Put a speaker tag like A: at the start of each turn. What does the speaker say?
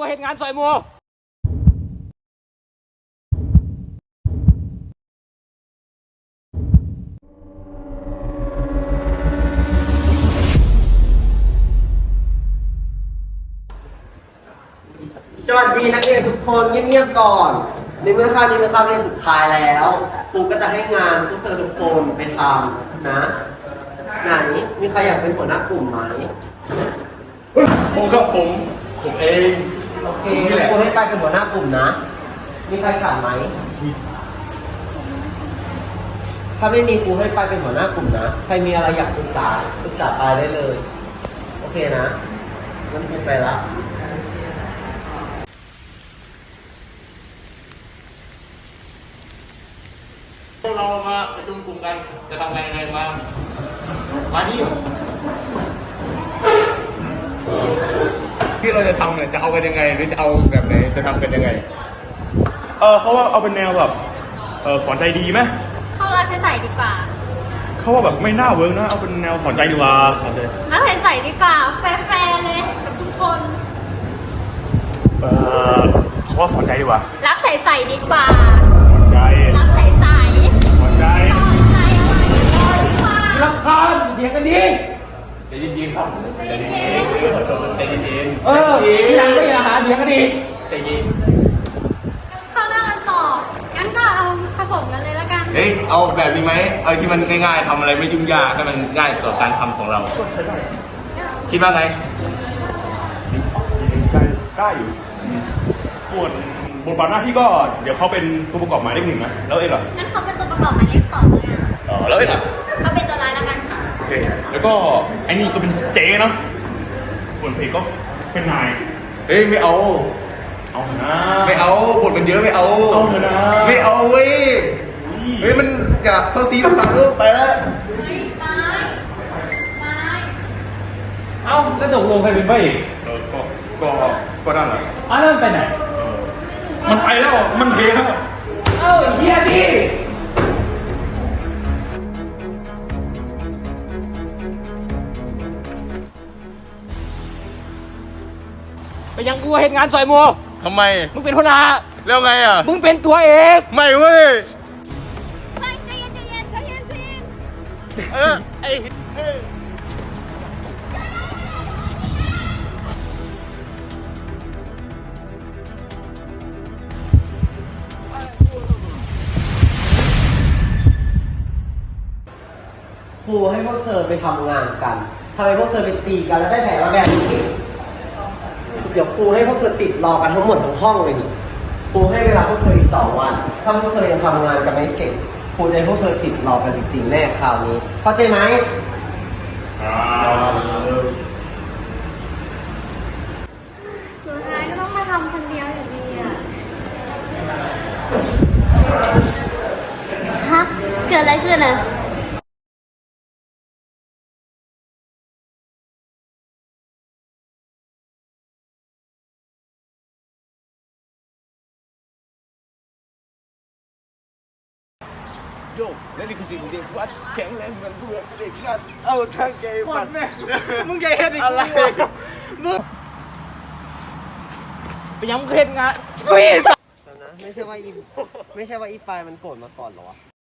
A: เฮ็ดงานซอยหมู่
B: สวัสดีนักเรียนทุกคนเงียบๆก่อนในเมื่อคาบนี้เป็นคาบเรียนสุดท้ายแล้วครูก็จะให้งานพวกเธอทุกคนไปทำนะไหนมีใครอยากเป็นหัวหน้ากลุ่มไหม
C: ผมครับผมเอง
B: โอเคครูให้ไปเป็นหัวหน้ากลุ่มนะมีใครขาดไหมถ้าไม่มีครูให้ไปเป็นหัวหน้ากลุ่มนะใครมีอะไรอยากปรึกษาไปได้เลยโอเคนะงั้นครูไปละ
C: พวกเรามาประชุมกลุ่มกันจะทำยังไงมานี่ที่เราจะทำเนี่ยจะเอากันยังไงหรือจะเอาแบบไหนจะทำกันยังไงเขาว่าเอาเป็นแนวแบบสอนใจดีไหม
D: เข้ารักใส่ดีกว่า
C: เขาว่าแบบไม่น่าเวิร์กนะเอาเป็นแนวสอนใจดีกว่าสอนใจ
D: รักใส่ดีกว่าแฟร์เลยกับทุกคน
C: เขาว่าสอนใจดีกว่า
D: รักใส่ดีกว่า
C: สอนใจ
D: รักใส่
C: สอนใจ
D: สอนใจอะไรดีกว่า
A: รำคาญเถียงกันดี
C: ใจเย็นๆครับใจเย็นใจเย็น
A: ทีหลังก็อย่าหาเถียงกันดี
C: ใจเย็น
D: เข้าหน้ากันต่องั้นก็เอาผสมกันเลยแล้วกัน
C: เอาแบบนี้ไหมเอาที่มันง่ายๆทำอะไรไม่ยุ่งยากให้มันง่ายต่อการทำของเราคิดว่าไงได้อยู่ส่วนบทบาทหน้าที่ก็เดี๋ยวเขาเป็นตัวประกอบหมายเลขหนึ่งนะแล้วเองเหรอ
D: งั้นเขาเป็นตัวประกอบหมายเลขสองเลยอ่ะ
C: แล้วเองเหรอ
D: เขาเป็นตัวร้ายแล้วกัน
C: โอเคแล้วก็ไอ้นี่ก็เป็นเจ๊เนาะส่วนเพลงก็เป็นนายไม่เอานะไม่เอาบทมันเยอะไม่เอาเถอะนะไม่เอาเว้ยมันอยากเซาซีต่างๆลูกไปแล้ว
D: ไป
A: เอ้าแล้วตกลงใครเป็นพระเอก
C: ก็นั่นแหละ
A: แล้วมันไปไหน
C: มันไปแล้วมันเทแล้ว
A: เฮียดิไปยังกูเฮ็ดงานซอยหมู่
C: ทำไม
A: มึงเป็นหัวหน้า
C: แล้วไงอ่ะ
A: มึงเป็นตัวเอก
C: ไม่เว้ย
D: ใจเย็น
C: ไอ้
B: ครูให้พวกเธอไปทำงานกันทำไมพวกเธอไปตีกันแล้วได้แผลมาแบบนี้เดี๋ยวครูให้พวกเธอติดรอกันทั้งหมดทั้งห้องเลยนี่ครูให้เวลาพวกเธออีก2 วันถ้าพวกเธอยังทำงานกันไม่เสร็จครูจะให้พวกเธอติดรอกันจริงๆแน่คราวนี้เข้าใจไหม
D: สุดท้ายก็ต้องมาทำคนเดียวอยู่ดีอ่ะฮะเกิดอะไรขึ้นอ่ะ
C: โยกและนี่คือสิ่งที่เด็กวัดแข็งแรงเหมือนเพื่อนเด็กนัดเอาทั้งใจฝัน
A: มึงใหญ่เฮ็ดอีกอะไรมึงไปยังมึงเฮ็ดงาน
B: นะไม่ใช่ว่าอีปายมันโกรธมาก่อนหรอวะ